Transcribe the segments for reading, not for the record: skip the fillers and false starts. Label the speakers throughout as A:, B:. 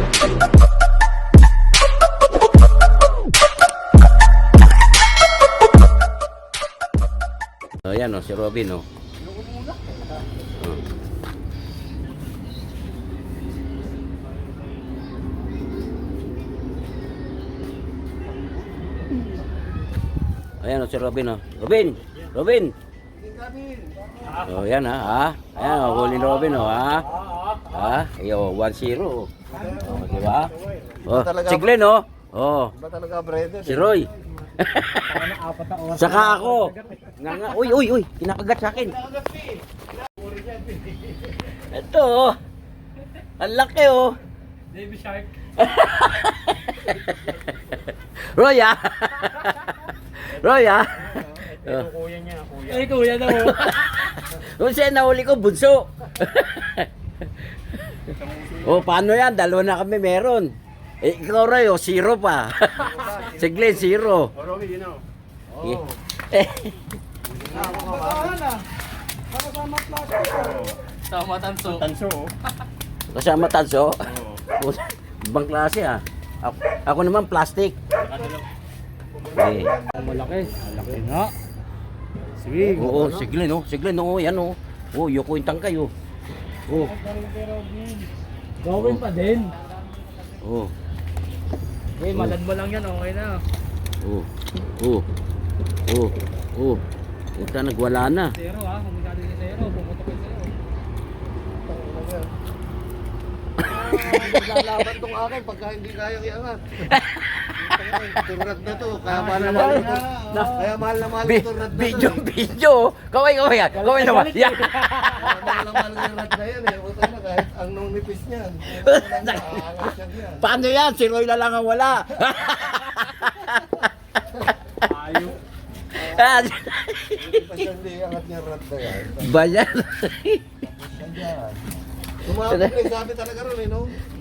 A: Ayan o, si Robin o. Ayan o, si Robin o. Robin! Robin! O, yan ha. Ayan o, huli ni Robin o ha. Ha? Ayo, 1-0 o. O, diba? O, si Glenn o. O,
B: Iba talaga, brother.
A: si Roy. Saka ako. Nga. Uy. Kinakagat sa akin. Ito oh. Ang laki oh.
C: Baby shark.
A: Roy ah. Roy ah.
C: Ito kuya niya, kuya. Ay, kuya daw.
A: Kung siya nahuli ko, bunso. Oh, paano yan? Dalawa na kami meron. Eh, ikaw Roy, oh, 0 pa. Si Glenn, 0.
B: Romy, you know.
C: Sama tanso. Tanso.
A: Kasama tanso. Ibang klase ah. Ako naman plastic. Eh.
C: Malaki. Malaki nga. Sige.
A: Oo, si Glenn, oh. Si Glenn, oh, yan, oh. Oh, yuko yung tangkay, oh. Oh.
C: Gawin pa din.
A: Oh.
C: Eh, malad mo lang yan, okay na.
A: Oh. Oh. Oh. Oh. Ito nagwala na.
C: Zero ha, kung masyado yung zero, bumutok yung zero.
B: Lalaban tong akin pagka hindi kayang iangat. Turad na to. Kaya mahal na mahal ito. Kaya mahal na mahal ito. Turad na to.
A: Video. Kaway yan. Kaway naman. Yan.
B: Kaya mahal na mahal yung rad na yan eh. Huwag na kahit ang nung nipis niyan. Aangat siya yan.
A: Paano yan? Si Roy na lang ang wala.
C: Ayok.
B: Hindi pa siya hindi iangat niya rad na yan.
A: Bayan.
B: Yan. Tumawag ko eh. Sabi talaga ron eh no?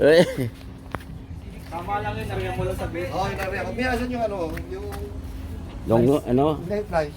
C: Tama lang yun, nariyan mo lang sa bed.
B: Oo, inariyan ko. Miyasan yung ano, yung
A: Long, ano?
B: hindi flies.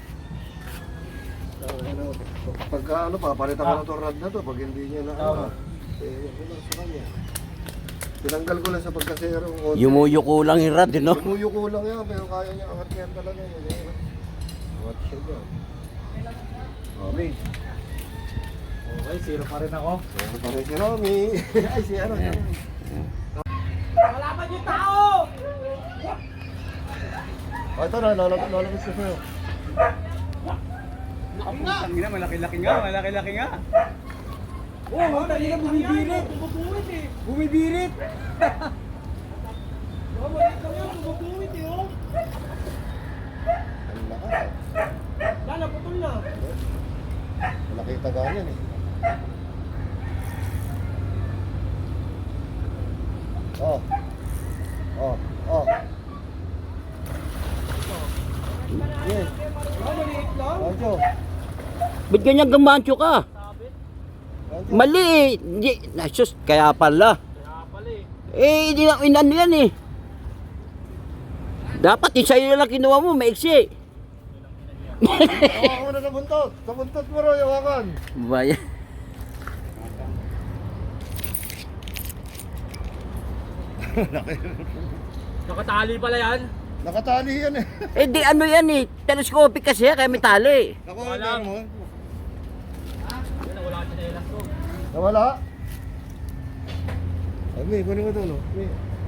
B: Ano, pagka ano pa, palitan ko ng torrad na to pag hindi niya na ano. Eh, ano sa kanya. Tinanggal ko lang sa pagkasero.
A: Yumuyuko lang yung rad, no?
B: Tumuyo ko lang yan, pero kaya niya angat yan talaga yun. Angat siya dyan. Romy.
C: Okay, zero pa rin ako.
B: Ano pa rin si Romy? Ay, si ano?
C: Wala pa yung tao!
B: Oh, ito na, lalabas ko sa'yo.
C: Ang ina, malaki-laki nga. Oh, ang ina, bumibirit. Bumibirit. Oh, maliit lang yun, bumibirit eh, oh.
B: Ang lakas.
C: Lala, putol na.
B: Malaki tagaan yan eh. Oh. Oh. Oh. Yes.
C: Oh, maliit lang.
B: Rancho.
A: Ba't ganyan gamancho ka?
B: Rancho.
A: Mali eh. Hindi. Sus, kaya pala.
C: Kaya pala eh.
A: Eh, hindi na inano yan eh. Dapat yung sa'yo lang kinuha mo, maiksi.
B: Hawakan mo na sa buntot. Sa buntot mo rin, hawakan.
A: Bayan.
C: Nakatali pala yan.
B: Nakatali yan eh.
A: Eh di ano yan eh. Telescopic kasi kaya may tali.
B: Ako,
C: Wala.
B: mo.
C: Yan, wala ka chinelas ko.
B: Nawala? Ay, may, kunin mo ito, no? May.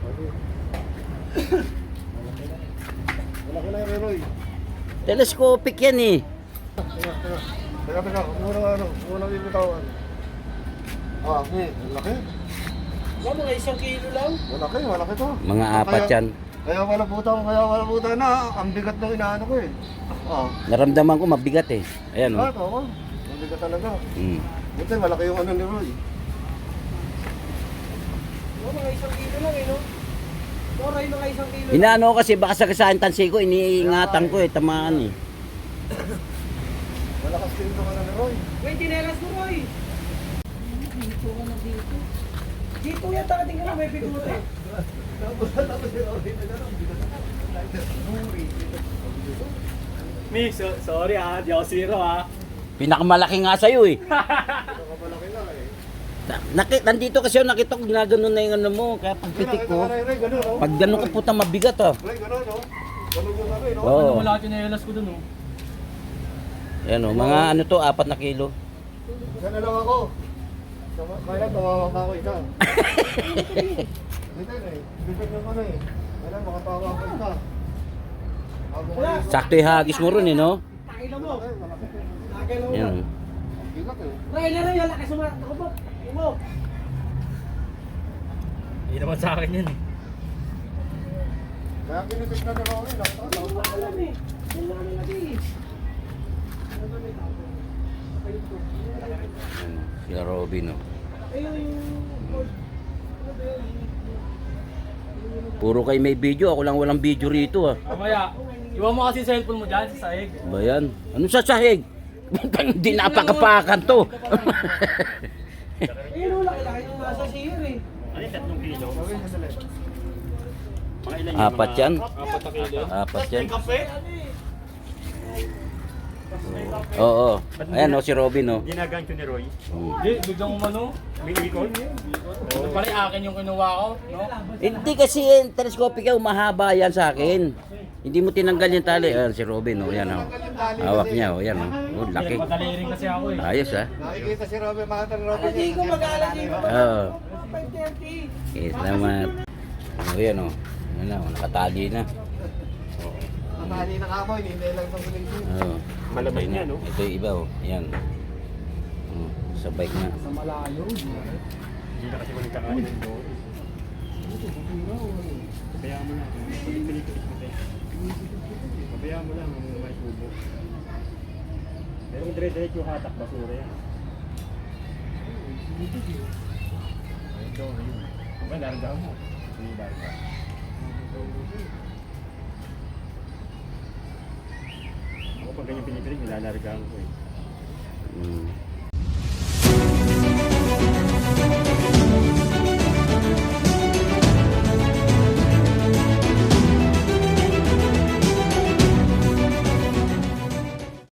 B: Wala ko na yung Roy.
A: Telescopic yan eh.
B: Teka. Muna yung bitawan. Ah, may. Malaki.
C: Mga mga 1 kilo lang.
B: Malaki to.
A: Mga apat yan.
B: Kaya wala puta na. Ang bigat ng inaano ko eh. Ah.
A: Naramdaman ko mabigat eh. Ayan
B: Ah,
A: oh.
B: tama. Ang bigat talaga.
A: Mm.
B: Buti, malaki yung ano ni Roy.
C: Mga 1 kilo lang eh, no? Koray, mga 1 kilo.
A: Inaano ko kasi baka sagasahin tansi ko, iniingatan ko eh, tamaan eh.
B: Malakas din itong ano ni Roy.
C: Wait, chinelas mo, Roy. Dito ka na dito. Dito yan, takating ka na, may bigote.
B: Tapos si Roy na gano'n.
C: Mi, sorry ah, di ako zero ah.
A: Pinakamalaki nga sa'yo eh.
B: Nakamalaki na eh.
A: Nandito kasi ako nakita ko ginaganon na yung ano mo, kaya pagpitik ko. Pag gano'n ka puta mabigat ah.
B: Ray, gano'n, no? Gano'n yung ano, no?
A: Oo.
D: Ano wala yung nayalas ko dun, oh.
A: Ayan o, mga ano to, 4 na kilo.
B: Sana lang ako. Kaya tawawa pa ako isa. Dito eh. Dito naman eh. Kaya makatawa ako isa. Ako
C: Wala.
A: Sakto yung hagis mo ron eh, no?
C: Takilo mo.
B: malaki.
C: Takilo mo.
A: Ayan o.
B: Bigat eh.
C: Ray, Ray, wala ka sumat. Ako po. Mo.
D: Hindi naman sa akin yun, eh.
B: Kaya kinitig na rin ako rin.
C: Hindi ko alam eh. Yan lang ang lagi eh.
A: Ayan, sila Robin o.
C: Ayun yung...
A: Puro kayo may video, ako lang walang video rito ah.
D: Mamaya, iwan mo kasi yung cellphone mo dyan sa sahig.
A: Ba yan? Ano sa sahig? Hindi napakapakan to.
C: Ayun, laki-laki yung nasa siyer eh.
D: Ano yung 3 kilo?
A: Apat yan?
D: 4 na kilo.
A: Apat yan?
D: Kape?
A: Oo. Ayan o, si Robin o.
E: Ginagancho ni Roy.
D: Hindi, biglang umano.
E: May ikon.
D: Ito pala yung akin yung kinuha ko, no?
A: Hindi kasi yung telescopic ka, mahaba yan sa akin. Hindi mo tinanggal yung tali. Ayan si Robin o, yan o. Hawak niya o, yan o. Oh, laki.
D: Madali rin kasi ako, eh.
A: Ayos ah.
B: Nakikita si Robin, makita ni Robin.
C: Hindi ko mag-aalas dito.
A: Oo.
C: 5:30.
A: Okay, salamat. O, yan o. Yan na, nakatali na.
B: Natali na kamoy, hindi lang sa sulit.
A: Oo.
E: Malamay niya, no?
A: Ito yung iba o, yan. Sa bike na.
C: Sa malayo.
E: Hindi na kasi walang kakain ng doon. Pabayaan mo lang. Pilit-pilit mo tayo. Pabayaan mo lang ang may tubo. Pero kung dire-diretso yung hatak, basura yan. Ito, ayun. Ba, larga mo. Hindi larga. Ako pag ganyan pinipilig, nilalargaan ko eh.
A: Mm.